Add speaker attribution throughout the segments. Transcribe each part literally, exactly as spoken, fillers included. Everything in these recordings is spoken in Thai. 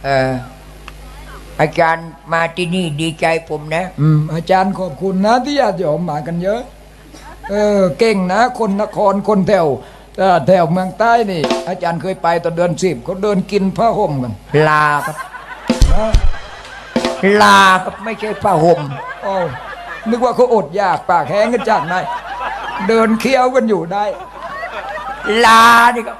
Speaker 1: เอออาจารย์มาที่นี่ดีใจผมนะ
Speaker 2: อืมอาจารย์ขอบคุณนะที่ญาติโยมมากันเยอะเออเก่งนะคนนครคนแถวเอ่อแถวเมืองใต้นี่อาจารย์เคยไปตอนเดือนสิบเขาเดินกินผ้าห่มกัน
Speaker 1: ลาครับลาครับไม่ใช่ผ้าห่ม
Speaker 2: โอ้นึกว่าเขาอดอยากปากแห้งกันจากไหนเดินเคี้ยวกันอยู่ได้
Speaker 1: ลาดิครับ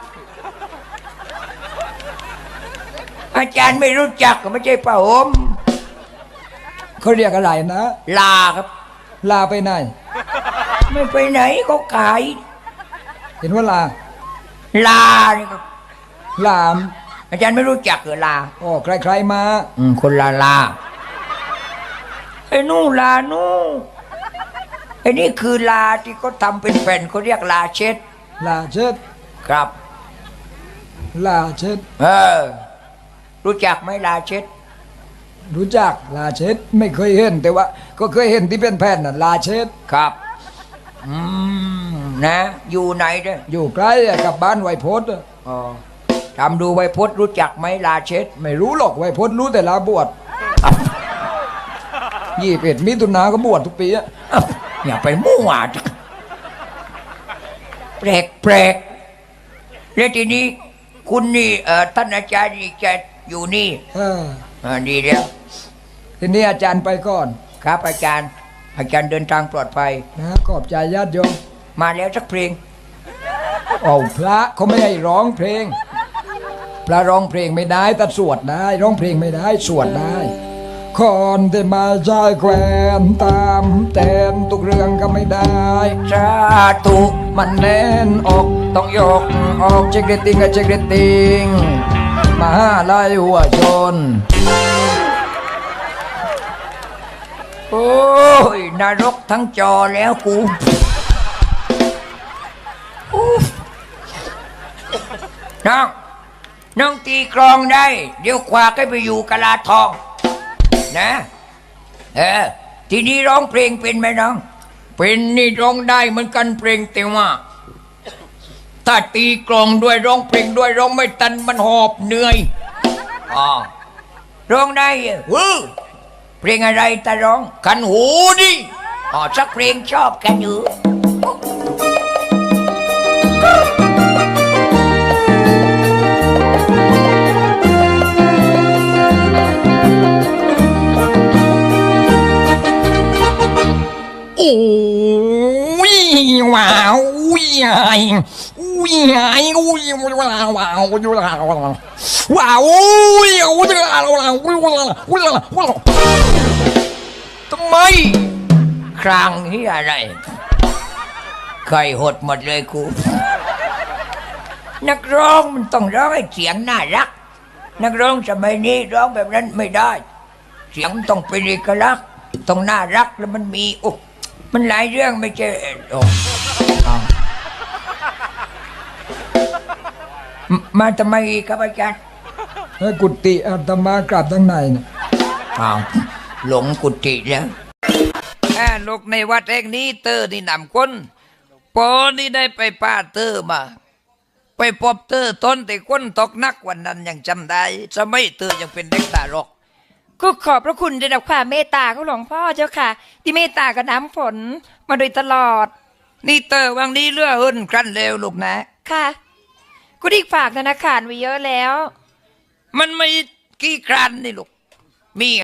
Speaker 1: อาจารย์ไม่รู้จักก็ไม่ใช่ผ้าห่ม
Speaker 2: เขาเรียกอะไรนะ
Speaker 1: ลาครับ
Speaker 2: ลาไปไหน
Speaker 1: ไม่ไปไหนเขาขาย
Speaker 2: เห็นว่าลา
Speaker 1: ลานี่ครับ
Speaker 2: ลาม
Speaker 1: อาจารย์ไม่รู้จักเหรอลา
Speaker 2: อ๋อใครๆมา
Speaker 1: อืมคนลาลาไอ้นู่นลานู่นไอ้นี่คือลาที่เขาทำเป็นแผ่นเขาเรียกลาเช็ด
Speaker 2: ลาเช็ด
Speaker 1: ครับ
Speaker 2: ลาเช็ด
Speaker 1: เออรู้จักไหมลาเช็ด
Speaker 2: รู้จักลาเช็ดไม่เคยเห็นแต่ว่าก็เคยเห็นที่เป็นแผ่นน่ะลาเช็ด
Speaker 1: ครับอืมนะอยู่ไหนเด้อ
Speaker 2: อยู่ใกล้กับบ้านไวโพส
Speaker 1: อ๋อทำดูไวโพสรู้จักไหมลาเช็ด
Speaker 2: ไม่รู้หรอกไวโพสรู้แต่ลาบวชยี่สิบเอ็ดมิถุนาก็บวชทุกปีอะ
Speaker 1: อย่าไปมั่วแปลกแปลกแล้วทีนี้คุณนี่เอ่อท่านอาจารย์นี่จะอยู่นี่
Speaker 2: เออ
Speaker 1: อ่าดีแล้ว
Speaker 2: ทีนี้อาจารย์ไปก่อน
Speaker 1: ครับอาจารย์อาจารย์เดินทางปลอดภัย
Speaker 2: นะขอบใจญาติโยม
Speaker 1: มาแล้วสักเพลง
Speaker 2: โอ้พระเขาไม่ให้ร้องเพลงพระร้องเพลงไม่ได้แต่สวดได้ร้องเพลงไม่ได้สวดได้คนที่มาใจแควนตามแต่นทุกเรื่องก็ไม่ได้
Speaker 1: สาธุ
Speaker 2: มันแน่นอกต้องยกออกเช็คเรตติ้งกับเช็คเรตติ้งมาไล่หัวชน
Speaker 1: โอ้ยนรกทั้งจอแล้วกูน้องน้องตีกลองได้เดี๋ยวคว้าให้ไปอยู่กะลาทองนะเออทีนี้ร้องเพลงเป็นไหมน้องเป็นนี่ร้องได้เหมือนกันเพลงแต่ว่าถ้าตีกลองด้วยร้องเพลงด้วยร้องไม่ตันมันหอบเหนื่อยอ๋อร้องได้เออเพลงอะไรตาร้องขันหูดิอ๋อสักเพลงชอบกันอยู่
Speaker 2: โอ้ยว้าวอุ้ยไอ้อุ้ยไอ้อุ้ยว้าวว้าวว้าวว้าวว้าวอุ้ยอุ้ยว้าวว้าวว้าวว้าว
Speaker 1: ทำไมครางนี่อะไรไข่หดหมดเลยกูนักร้องมันต้องร้องให้เสียงน่ารักนักร้องสมัยนี้ร้องแบบนั้นไม่ได้เสียงต้องเป็นเอกลักษณ์ต้องน่ารักแล้วมันมีโอ้มันหลายเรื่องไม่ใช่โอ้มาทำไมครับอาจารย์
Speaker 2: ให้กุฏิอาตมากลับทั้งในเนี่ย
Speaker 1: อ้าวหลงกุฏิแล้ว
Speaker 3: ลูกในวัดแห่งนี้เตอร์นี่นำคนปอนี่ได้ไปป้าเตอร์มาไปพบเตอร์ต้นแต่คนตกนักวันนั้นยังจำได้สมัยเตอร์ยังเป็นเด็กตาลก
Speaker 4: ก็ขอบพระคุณในดับความเมตตาของหลวงพ่อเจ้าค่ะที่เมตตากับน้ำฝนมาโดยตลอด
Speaker 3: นี่เตอร์วังนี้เลื่อหุ่นครั้นเร็วลูกนะ
Speaker 4: ค่ะกูได้ฝากธนาคารไว้เยอะแล้ว
Speaker 3: มันไม่กี่ครั้นนี่ลูกมี